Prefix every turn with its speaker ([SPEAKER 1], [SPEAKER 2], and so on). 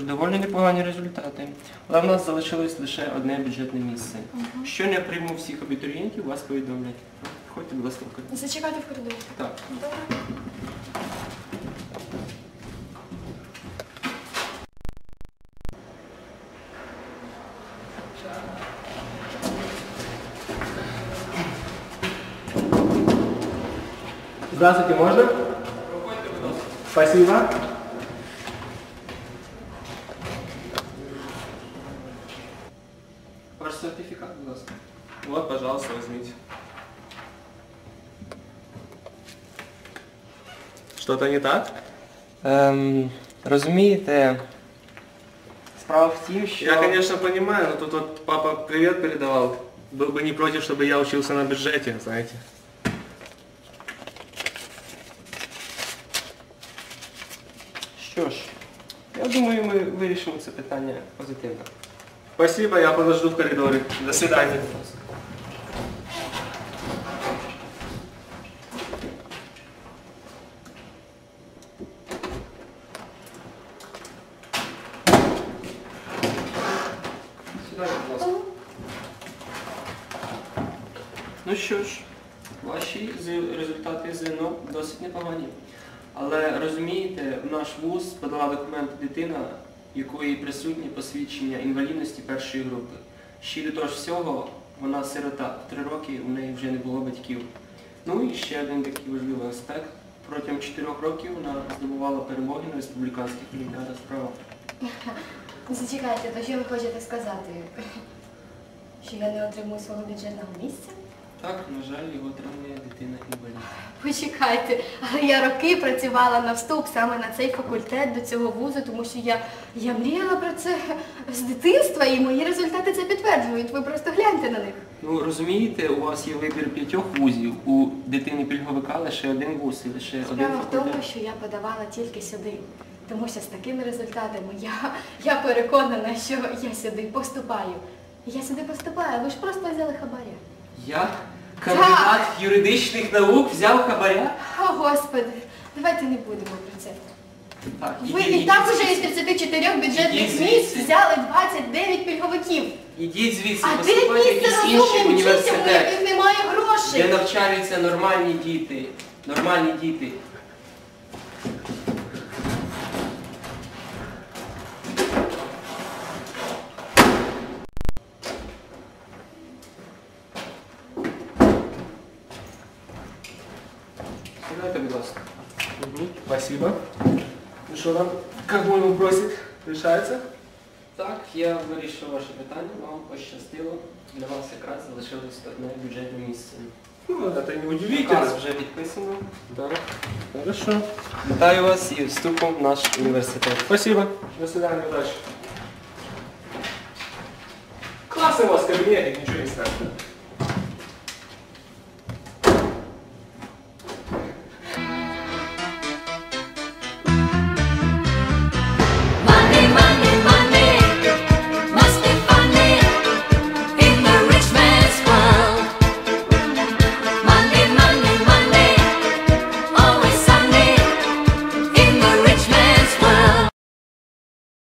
[SPEAKER 1] доволі непогані результати. Але в нас залишилось лише одне бюджетне місце. Що не прийму всіх абітурієнтів, вас повідомлять. Ходьте, будь ласка, в коридор.
[SPEAKER 2] Зачекайте в коридорі.
[SPEAKER 1] Так.
[SPEAKER 2] Добре.
[SPEAKER 1] Здравствуйте, можно? Проходите, будь ласка. Спасибо. Ваш сертификат, будь ласка. Вот, пожалуйста, возьмите. Что-то не так? Розумієте, справа в тім, що...
[SPEAKER 3] Я, конечно, понимаю, но тут вот папа привет передавал. Был бы не против, чтобы я учился на бюджете, знаете.
[SPEAKER 1] Що ж, я думаю, ми вирішимо це питання позитивно.
[SPEAKER 3] Спасибо, я подожду в коридоре. До свидания.
[SPEAKER 1] Сідайте, будь ласка. Ну що ж, ваші результати ЗНО досить непогані. Але розумієте, в наш вуз подала документи дитина, в якої присутні посвідчення інвалідності першої групи. Ще й до того ж всього, вона сирота. В 3 роки у неї вже не було батьків. Ну і ще один такий важливий аспект. Протягом 4 років вона здобувала перемоги на республіканських олімпіадах з права.
[SPEAKER 2] Зачекайте, то що ви хочете сказати? Що я не отримую свого бюджетного місця?
[SPEAKER 1] Так, на жаль, його отримує дитина-інвалід.
[SPEAKER 2] Почекайте, але я роки працювала на вступ саме на цей факультет, до цього вузу, тому що я мріяла про це з дитинства, і мої результати це підтверджують. Ви просто гляньте на них.
[SPEAKER 1] Ну, розумієте, у вас є вибір 5 вузів, у дитини-пільговика лише один вуз і лише один
[SPEAKER 2] Справа в тому,
[SPEAKER 1] факультет.
[SPEAKER 2] що я подавала тільки сюди. Тому що з такими результатами я переконана, що я сюди поступаю. Я сюди поступаю, ви ж просто взяли хабаря.
[SPEAKER 1] Я, кандидат юридичних наук, взяв хабаря?
[SPEAKER 2] О, Господи, давайте не будемо про це.
[SPEAKER 1] Так,
[SPEAKER 2] Ви і так уже із 34 бюджетних місць взяли 29 пільговиків.
[SPEAKER 1] Ідіть звідси,
[SPEAKER 2] А де
[SPEAKER 1] поступайте в
[SPEAKER 2] місце
[SPEAKER 1] якийсь інший
[SPEAKER 2] розумним дітям, у
[SPEAKER 1] університет,
[SPEAKER 2] яких немає
[SPEAKER 1] де
[SPEAKER 2] грошей?
[SPEAKER 1] навчаються нормальні діти. Нормальні діти. Сідайте, будь ласка.
[SPEAKER 3] Спасибо. Ну что там, как мой вопросик решается?
[SPEAKER 1] Так, я вирішив ваше питання, вам пощастило. Для вас якраз залишилось одне бюджетне місце.
[SPEAKER 3] Ну, это не удивительно.
[SPEAKER 1] Наказ вже підписано.
[SPEAKER 3] Да. Хорошо.
[SPEAKER 1] Вітаю вас і вступом в наш університет.
[SPEAKER 3] Спасибо. До свидания, удачи. Классный у вас кабинет, ничего не скажешь.